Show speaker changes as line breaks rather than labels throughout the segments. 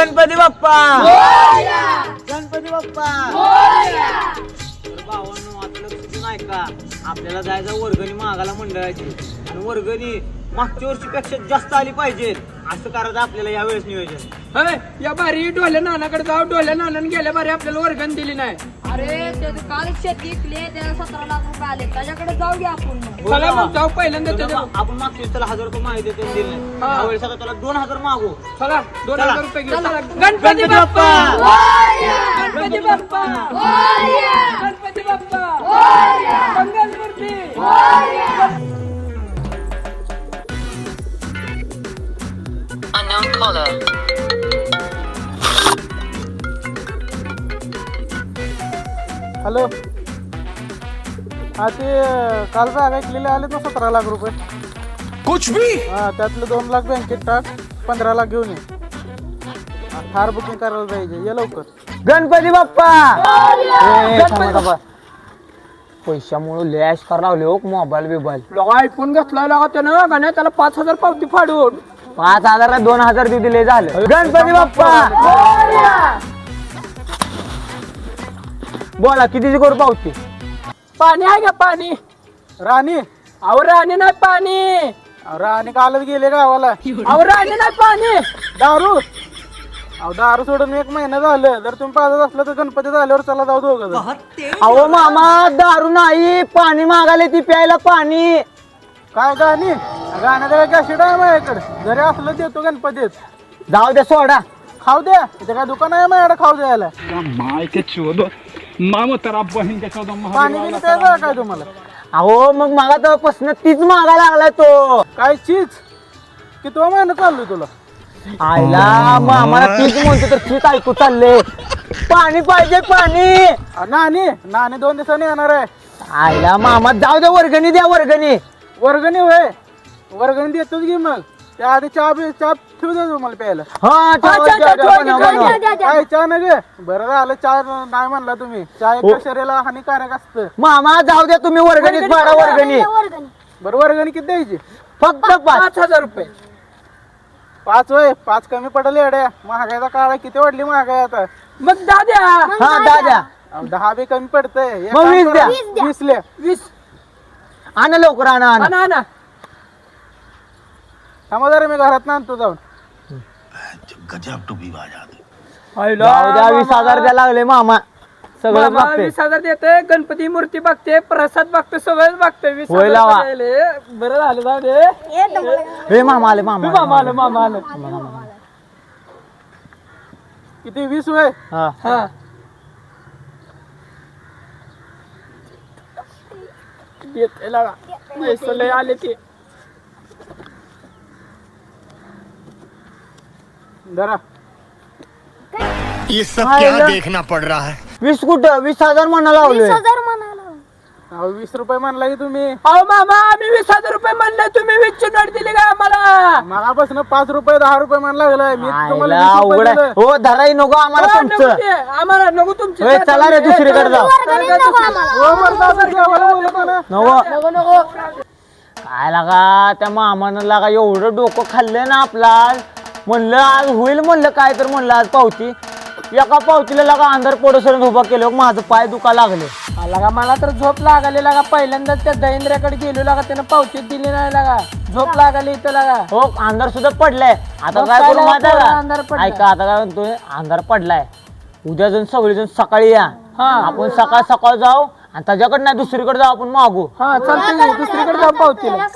गणपती बाप्पा गणपती बाप्पा भावांनो आता लक्ष देऊन ऐका. आपल्याला जायचं वर्गणी मागायला मंडळाची आणि वर्गणी मागच्या वर्षीपेक्षा जास्त आली पाहिजे असं करायचं आपल्याला यावेळेस नियोजन.
या बारी डोल्या नानाकडे जाऊ. डोल्या नानाने गेल्या बारी आपल्याला वर्गण दिली नाही.
अरे ते काल शेती विकली त्याला 17 लाख रुपये आले त्याच्याकडे जाऊ घ्या आपण
चला मग जाऊ पहिल्यांदा त्याच्या
आपण मागच्या वेळेस त्याला 1000 रुपये माहिती दिले नाही. यावेळेस आता त्याला 2000 मागू.
चला 2000 रुपये घेऊ.
चला.
Ganpati Bappa Ganpati Bappa Ganpati Bappa Mangalmurti.
Unknown caller.
Hello. हा ते काल बॅग ऐकलेले आले ना 17 लाख रुपये.
कुछ भी
हा त्यातले 2 लाख बँकेत टाक. 15 लाख घेऊन ये. थार बुकिंग करायला पाहिजे. ये लवकर.
गणपती बाप्पा पैशामुळे लॅश करायला लावले हो मोबाईल बिबाईल.
लोक ऐकून घेतलाय लागा त्यानं गाण्या त्याला 5000 पावती फाडून
5000 2000 दिले झालं. गणपती बाप्पा बोला कितीची करू पावती.
पाणी आहे का पाणी.
राणी
अहो राणी नाही पाणी.
राणी कालच गेले गावाला.
अहो राणी नाही पाणी.
दारू दारू सोडून 1 महिना झालं. जर तुम्ही पाजत असलं तर गणपती झाल्यावर चला जाऊ दोघं.
अहो मामा दारू नाही पाणी मागायला ती प्यायला पाणी.
काय गाणी गाण्याचं कॅसेट आहे माझ्याकडे. जरी असलं देतो गणपतीत.
जाऊ द्या सोडा.
खाऊ द्या. इथे काय दुकान आहे माझ्याकडे खाऊ द्यायला.
माय के चोदो मामा तेरा बहन के चोदो
पाणी बिल प्यायचं काय तुम्हाला.
अहो मग मागा तेव्हापासून तीच मागायला लागलाय तो.
काय चीज किती महिना चाललोय तुला.
आईला मग आम्हाला तीच म्हणतो तर तीच ऐकू चालले. पाणी पाहिजे पाणी.
नानी 2 दिवसांनी येणार आहे.
आईला मामा जाऊ द्या वर्गणी द्या वर्गणी.
वर्गणी होय वर्गणी देतोच की. मग त्या आधी चहा ठेवू द्या तुम्हाला प्यायला.
हा
काय चहा न गे. बरं झालं चहा नाही म्हणला तुम्ही. चहा एका शरीराला हानिकारक असतं.
मामा जाऊ द्या तुम्ही वर्गणीत पाडा वर्गणी.
बरं वर्गणी किती द्यायची.
फक्त
5000 रुपये.
5 होय 5 कमी पडले एड्या. महागाईचा काळ आहे. किती वाढली महागाई आता.
मग दाद्या
हा दाद्या
10 बी कमी पडतंय.
मग 20 द्या.
20 ल्या
20
आणा लवकर आणा आणा.
आणा आणा.
थांबा जरा मी घरात आणतो जाऊन.
गजब टुबी बाजा.
जाऊ द्या 20,000 द्या लागले मामा. सगळं
मामा
बघते
20,000 देते. गणपती मूर्ती बघते. प्रसाद बघते. सगळंच बघते. 20,000
होय लावा.
द्यायले. बरं झालं जाऊ दे.
हे मामा आले मामा
मामा आलं मामा आलं.
किती 20 होय.
हा
हा येते लागा. पैसे लय आले ते.
जरा
ये सब क्या देखना पड़ रहा है.
20 कुठं 20,000 म्हणा लावले.
20 रुपये म्हणला की तुम्ही.
अहो मामा आम्ही 20,000 रुपये म्हणले. तुम्ही 20 ची नोट दिली का आम्हाला.
मगापासून 5 रुपये 10 रुपये म्हण लागलाय. मी तुम्हाला
आईला
20 रुपये
अवघड आहे.
दिलं.
हो धराई नको आम्हाला
हो, नको
तुमचं.
ते. आम्हाला नको
होय,
तुमचे.
चला रे दुसरीकडे जाऊ.
हो, मर्दा, असं जेवायला बोलवतो ना.
नव काय लागा त्या मामानं लागा एवढं डोकं खाल्लं ना आपला. म्हणलं आज होईल म्हणलं काय तर म्हणलं आज पावती. एका पावतीला लागा अंधार पडोसर उभा केलं. माझं पाय दुखा लागले.
लागा मला तर झोप लागली लागा. पहिल्यांदाच त्या दहिंद्र्याकडे गेलो लागा. त्यानं पावती दिली नाही लागा. झोप लागली इथं लागा.
हो अंधार सुद्धा पडलाय. आता
मग
काय
काय
करू
लागा,
माहिती
पोरं
आहे
अंधार
का.
पडलाय.
ऐका आता काय म्हणतोय अंधार पडलाय. उद्या जण सगळेजण सकाळी या.
हा.
आपण सकाळ जाऊ आणि त्याच्याकडे नाही दुसरीकडे जाऊ आपण मागू.
हा चालते. दुसरीकडे जाऊ पावतीला.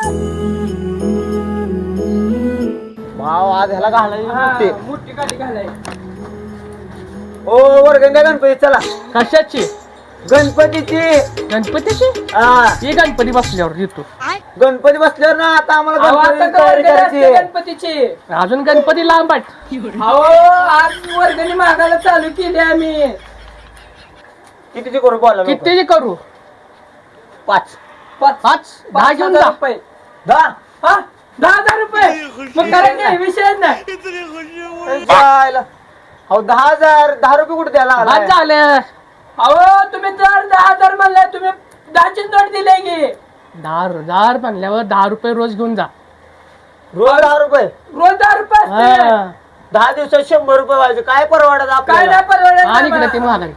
भाव आज ह्याला घालायची.
मोठी गाडी घालाय.
हो वर्गण द्या गणपती चला.
कशाची.
गणपतीची.
गणपतीची.
हा
ही गणपती बसल्यावर येतो.
गणपती बसल्यावर ना आता आम्हाला
अहो, आता
गणपतीची तयारी
वर्गणी
करायची
असते
आहे.
गणपतीची. अजून गणपती लांब आहेत. अहो आज वर्गणी मागायला चालू केली आम्ही.
कितीची करू बोला लवकर.
कितीची करू.
5
10 घेऊन जा.
10
हा 10,000 रुपये. मग करायचे विषय नाही.
जायला. अहो 10,000 10 रुपये कुठे द्यायला
बाद
लागलाय?
झालं. अहो तुम्ही दर 10,000 म्हणले. तुम्ही 10ची नोट दिले की. 10,000 म्हणल्यावर 10 रुपये रोज घेऊन जा.
रोज 10 रुपये.
रोज 10 रुपये असते.
हा. 10 दिवसात 100 रुपये व्हायचे. काय परवडत
काय
आपल्याला?
नाही परवडत
आणि इकडे
मला.
ते महागाई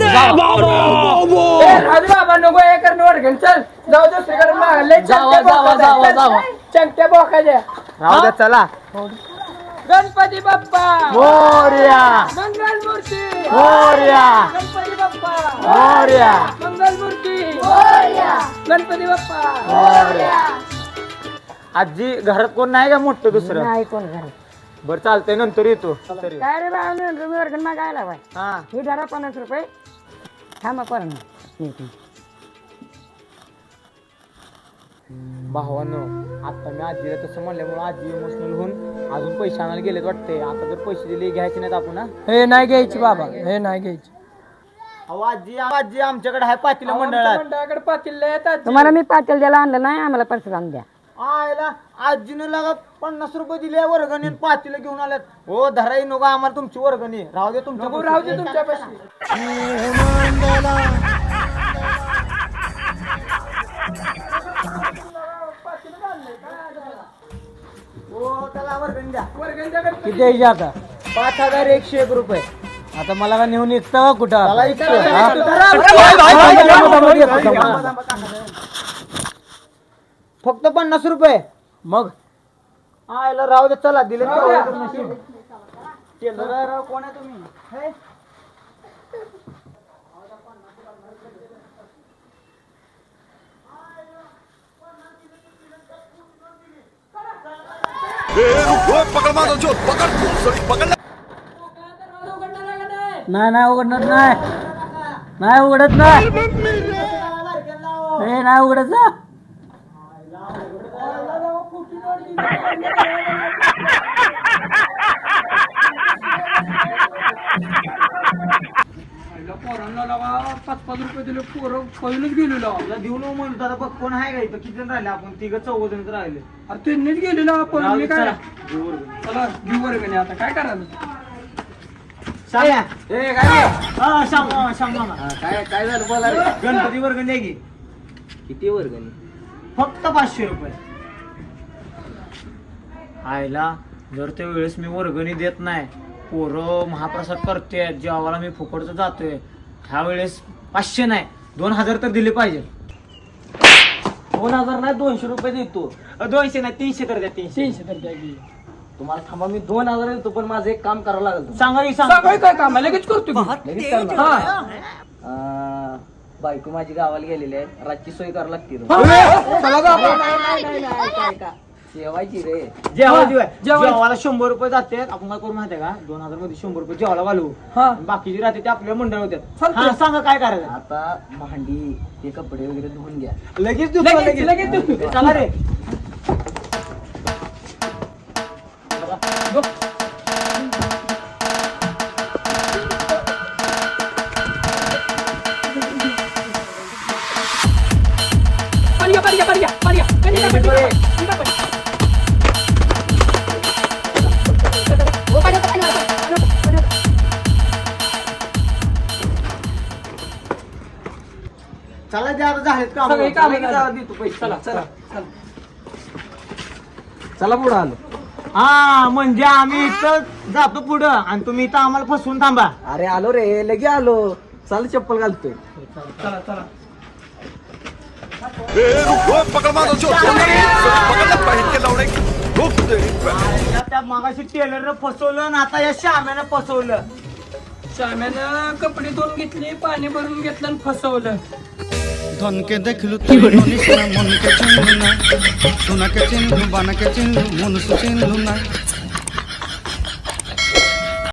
ए, राजू बाबा नको हे करणं वर्गण चल जाऊ दुसरीकडे मागले चंगट्या बोकाच्या.
राहू द्या चला.
गणपती बाप्पा
मोरया
मंगल मूर्ती
मोरया
गणपती बाप्पा
मोरया
मंगल मूर्ती गणपती बाप्पा
मोरया. आजी घरात कोण नाही का मोठं दुसरं?
नाही कोण घरी.
बरं चालतंय नंतर येतो. तरी
काय रे बा तुम्ही वर्गण मागायला बाय
हा
हे धरा 50 रुपये थांबा करणं.
भावानो आता मी आजीला तसं म्हणल्यामुळे आजी इमोशनल होऊन अजून पैसे आणायला गेलेत वाटते. आता जर पैसे दिले घ्यायचे नाहीत आपण हा?
हे नाही घ्यायची बाबा हे नाही घ्यायची.
अहो आजी आजी आमच्याकडे आहे पातीला मंडळात.
मंडळाकडे पातील येतात
तुम्हाला मी पातेल द्यायला आणलं नाही आम्हाला परत आणून द्या.
आयला आजीनं लागा 50 रुपये दिले वर्गणी आणि पातीला घेऊन आल्यात. हो धराई नको आम्हाला तुमची वर्गणी. राहू दे तुमच्या
राहू दे तुमच्यापाशी.
हो त्याला वर्गणी द्या.
वर्गण द्या गणपती.
किती द्यायचे आता?
5101 रुपये.
आता मला का नेऊन इकतं का कुठं?
त्याला इतकं. फक्त 50 रुपये.
मग
आयला राहू दे चला दिले.
राहू द्या.
टेलर कोण आहे तुम्ही? हे?
नाही नाही उघडणार नाही. नाही उघडत नाही. हे नाही उघडत जा.
पोरांना लावा 5-5 रुपये दिले पोरं पहिलंच गेलेलो.
तुला देऊ नको म्हणतो आता. बघ कोण आहे का इथं? किती जण राहिले आपण? 3-4 राहिले.
अरे त्यांनीच गेलेलो आपण मी काय
चला.
चला घेऊ वर्गणी आता काय करायला.
सांगा.
ए काय
हा, सांग मामा.
काय झालं बोला रे.
गणपती वर्गणी आहे की
किती वर्गणी?
फक्त 500 रुपये. आयला जर त्या वेळेस मी वर्गणी देत नाही, पोरं महाप्रसाद करते, जेवायला मी फुकटचं जातोय, ह्या वेळेस 500 नाही 2000 तर दिले पाहिजे.
2000 नाही 200 रुपये देतो.
200 नाही 300 तर द्या. 300
300 तर द्या की.
तुम्हाला थांबा मी 2000 देतो पण माझं एक काम करावं लागेल.
सांगा की
सांगाय काय काम आहे? लगेच करतो की.
लगेच करणार.
हा.
बायको माझी गावाला गेलेली आहे. रातची सोय करावं लागते.
चला जा आपण.
जेवायची रे.
जेवायला 100 रुपये जाते. आपण काय करू माहितीये का? 2000 मध्ये 100 रुपये जेवायला घालू.
हा.
बाकीची राहते ते आपल्या मंडळ होत्यात.
चालतंय.
हा, सांगा काय करायचं?
आता भांडी ते कपडे वगैरे धुवून घ्या.
लगेच देतो,
लगेच देतो.
चला रे. चला जे आता झालेत का
सगळे कामं झाली.
देतो पैसे.
चला चला चला.
चला पुढे आलो.
हा म्हणजे आम्ही इथं जातो पुढं आणि तुम्ही इथं आम्हाला फसवून थांबा.
अरे आलो रे लगे आलो. चाल चप्पल घालतोय.
चला चला.
त्या मागाशी टेलरनं फसवलं आणि आता या श्याम्यानं फसवलं.
श्याम्यानं कपडे धुवून घेतले, पाणी भरून घेतलं आणि फसवलं.
ধনকে দেখলু তুই মনিস না মনকে চিনলু না সোনাকে চিনলু বানাকে চিনলু মনুষ্য চিনলু না